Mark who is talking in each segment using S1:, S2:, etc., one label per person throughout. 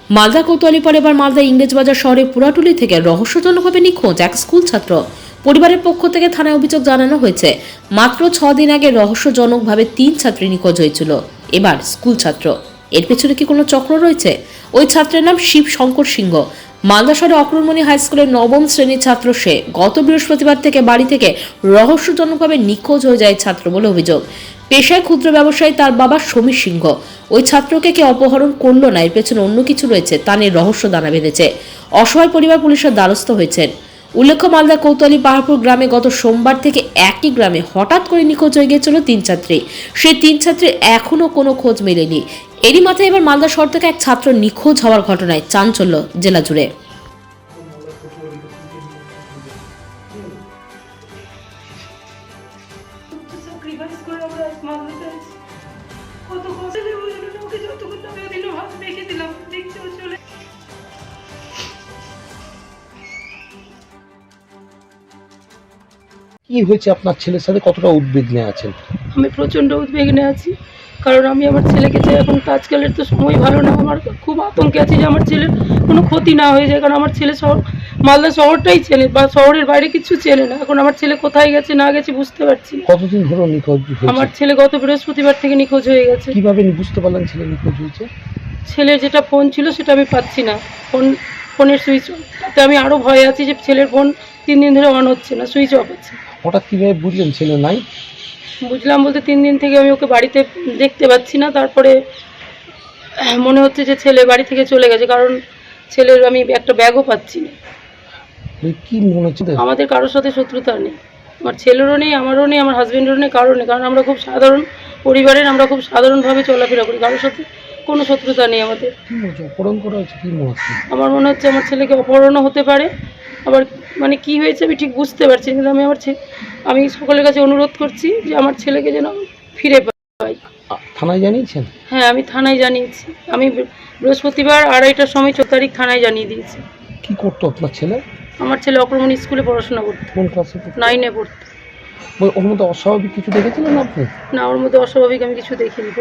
S1: মালদা কোতোয়ালি পর এবার মালদা ইংরেজবাজার শহরে পুরাটুলি থেকে রহস্যজনকভাবে নিখোঁজ এক স্কুল ছাত্র। পরিবারের পক্ষ থেকে থানায় অভিযোগ জানানো হয়েছে, মাত্র 6 দিন আগে রহস্যজনকভাবে 3 ছাত্রী নিখোঁজ হয়েছিল। এবার স্কুল ছাত্র, এর পেছনে কি কোনো চক্র রয়েছে? ওই ছাত্রের নাম শিব শঙ্কর সিংহ। মালদা শহরে অক্রমণী হাই স্কুলের 9ম শ্রেণীর ছাত্র সে। গত বৃহস্পতিবার থেকে বাড়ি থেকে রহস্যজনকভাবে নিখোঁজ হয়ে যায় ছাত্র বলে অভিযোগ। পেশায় ক্ষুদ্র ব্যবসায়ী তার বাবা সমীর সিংহ। ওই ছাত্রকে কে অপহরণ করলো না, এর পেছনে অন্য কিছু রয়েছে তা নিয়ে রহস্য দানা বেঁধেছে। অসহায় পরিবার পুলিশের দ্বারস্থ হয়েছেন। উল্লেখ্য, মালদা কোতোয়ালি পাহাড়পুর গ্রামে গত সোমবার থেকে একই গ্রামে হঠাৎ করে নিখোঁজ হয়ে গিয়েছিল 3 ছাত্রী। সেই 3 ছাত্রীর এখনো কোনো খোঁজ মেলেনি। এরই মাথায় এবার মালদা শহর থেকে এক ছাত্র নিখোঁজ হওয়ার ঘটনায় চাঞ্চল্য জেলা জুড়ে।
S2: কি হয়েছে আপনার ছেলের সাথে, কতটা উদ্বিগ্নে আছেন?
S3: আমি প্রচণ্ড উদ্বিগ্নে আছি, কারণ আমি আমার ছেলেকে চাই। এখন তো আজকালের তো সময় ভালো না, আমার খুব আতঙ্কে আছি যে আমার ছেলের কোনো ক্ষতি না হয়ে যায়। কারণ আমার ছেলে মালদা শহরটাই চেনে, বা শহরের বাইরে কিছু চেনে না। এখন আমার ছেলে কোথায় গেছে না গেছে বুঝতে পারছি না।
S2: কতদিন ধরে নিখোঁজ হয়েছে?
S3: আমার ছেলে গত বৃহস্পতিবার থেকে নিখোঁজ হয়ে গেছে।
S2: কিভাবে বুঝতে পারলেন ছেলে নিখোঁজ হয়েছে?
S3: ছেলের যেটা ফোন ছিল সেটা আমি পাচ্ছি না, ফোনের সুইচ অফ। তাতে আমি আরও ভয়ে আছি যে ছেলের ফোন 3 দিন ধরে অন হচ্ছে না, সুইচ অফ আছে।
S2: হঠাৎ কিভাবে বুঝলেন ছেলে নাই?
S3: বুঝলাম বলতে 3 দিন থেকে আমি ওকে বাড়িতে দেখতে পাচ্ছি না। তারপরে মনে হচ্ছে যে ছেলে বাড়ি থেকে চলে গেছে, কারণ ছেলের আমি একটা ব্যাগও পাচ্ছি না।
S2: কি মনে হচ্ছে?
S3: আমাদের কারোর সাথে শত্রুতা নেই, আমার ছেলেরও নেই, আমারও নেই, আমার হাজবেন্ডেরও নেই, কারোর নেই। কারণ আমরা খুব সাধারণ পরিবারের, আমরা খুব সাধারণভাবে চলাফেরা করি, কারোর সাথে কোনো শত্রুতা নেই আমাদের।
S2: কি মনে অপহরণ করা হয়েছে? কি মনে হচ্ছে?
S3: আমার মনে হচ্ছে আমার ছেলেকে অপহরণও হতে পারে। আবার মানে কি হয়েছে আমি ঠিক বুঝতে পারছি না, কিন্তু আমি সকলের কাছে অনুরোধ করছি যে আমার ছেলেকে যেন ফিরে পাই।
S2: থানায় জানিয়েছেন?
S3: হ্যাঁ, আমি থানায় জানিয়েছি। আমি বৃহস্পতিবার 2:30টার সময় 4 তারিখ থানায় জানিয়ে দিয়েছি।
S2: কি করতো আপনার ছেলে?
S3: আমার ছেলে অক্রমণী স্কুলে পড়াশোনা করতো।
S2: কোন ক্লাসে?
S3: 9-এ পড়তো।
S2: ওর মধ্যে অস্বাভাবিক কিছু দেখেছিলেন আপনি?
S3: না, ওর মধ্যে অস্বাভাবিক আমি কিছু দেখিনি,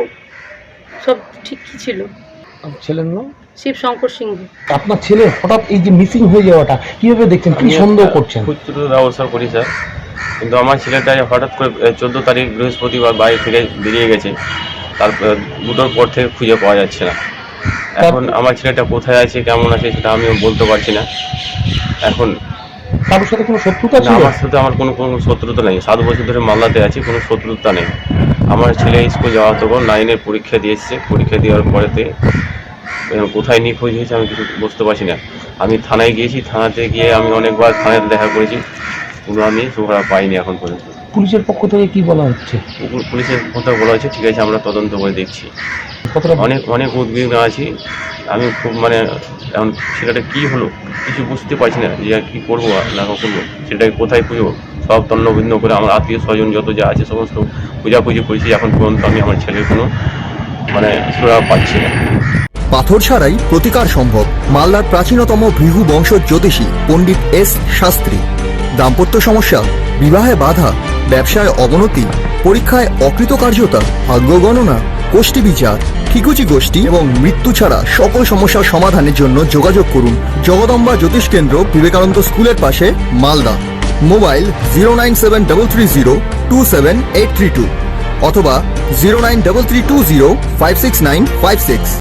S3: সব ঠিকই ছিল।
S2: আপনার ছেলের নাম?
S3: শিব শঙ্কর সিংহ।
S2: আপনার ছেলে হঠাৎ এই যে মিসিং হয়ে যাওয়াটা কিভাবে দেখছেন, কি সন্দেহ করছেন?
S4: খুচরো ব্যবসা করি স্যার, কিন্তু আমার ছেলেটা হঠাৎ করে 14 তারিখ বৃহস্পতিবার বাড়ি থেকে বেরিয়ে গেছে। তারপর 2টোর পর থেকে খুঁজে পাওয়া যাচ্ছে না। এখন আমার ছেলেটা কোথায় আছে, কেমন আছে সেটা আমিও বলতে পারছি না। এখন
S2: কারোর সাথে কোনো শত্রুতা
S4: না,
S2: ছিল?
S4: আমার সাথে আমার কোনো শত্রুতা নেই। 7 বছর ধরে মালদাতে আছি, কোনো শত্রুতা নেই। আমার ছেলে স্কুল যাওয়া তখন 9-এর পরীক্ষা দিয়েছে। পরীক্ষা দেওয়ার পরেতে কোথায় নিখোঁজ হয়েছে আমি কিছু বুঝতে পারছি না। আমি থানায় গিয়েছি, থানাতে গিয়ে আমি অনেকবার থানায় দেখা করেছি, কোনো আমি সুখরা পাইনি এখন পর্যন্ত।
S2: পুলিশের পক্ষ থেকে কি বলা হচ্ছে?
S4: পুলিশের কথা বলা হচ্ছে ঠিক আছে, আমরা তদন্ত করে দেখছি।
S2: কতটা
S4: অনেক উদ্বিগ্ন আছি আমি, খুব এখন ছেলেটা কি হলো কিছু বুঝতে পারছি না, যে কী করবো না করবো, সেটাকে কোথায় খুঁজবো। সব তন্নভিন্ন করে আমার আত্মীয় স্বজন যত যা আছে সমস্ত খোঁজাখুঁজি করেছি। এখন পর্যন্ত আমি আমার ছেলের কোনো সুরাহা পাচ্ছি না।
S5: পাথর ছাড়াই প্রতিকার সম্ভব। মালদার প্রাচীনতম ভৃগু বংশ জ্যোতিষী পণ্ডিত এস শাস্ত্রী। দাম্পত্য সমস্যা, বিবাহে বাধা, ব্যবসায় অবনতি, পরীক্ষায় অকৃতকার্যতা, ভাগ্য গণনা, গোষ্ঠী বিচার, ঠিকুচি গোষ্ঠী এবং মৃত্যু ছাড়া সকল সমস্যার সমাধানের জন্য যোগাযোগ করুন জগদম্বা জ্যোতিষ কেন্দ্র, বিবেকানন্দ স্কুলের পাশে, মালদা। মোবাইল 09730278332 অথবা 09332056956।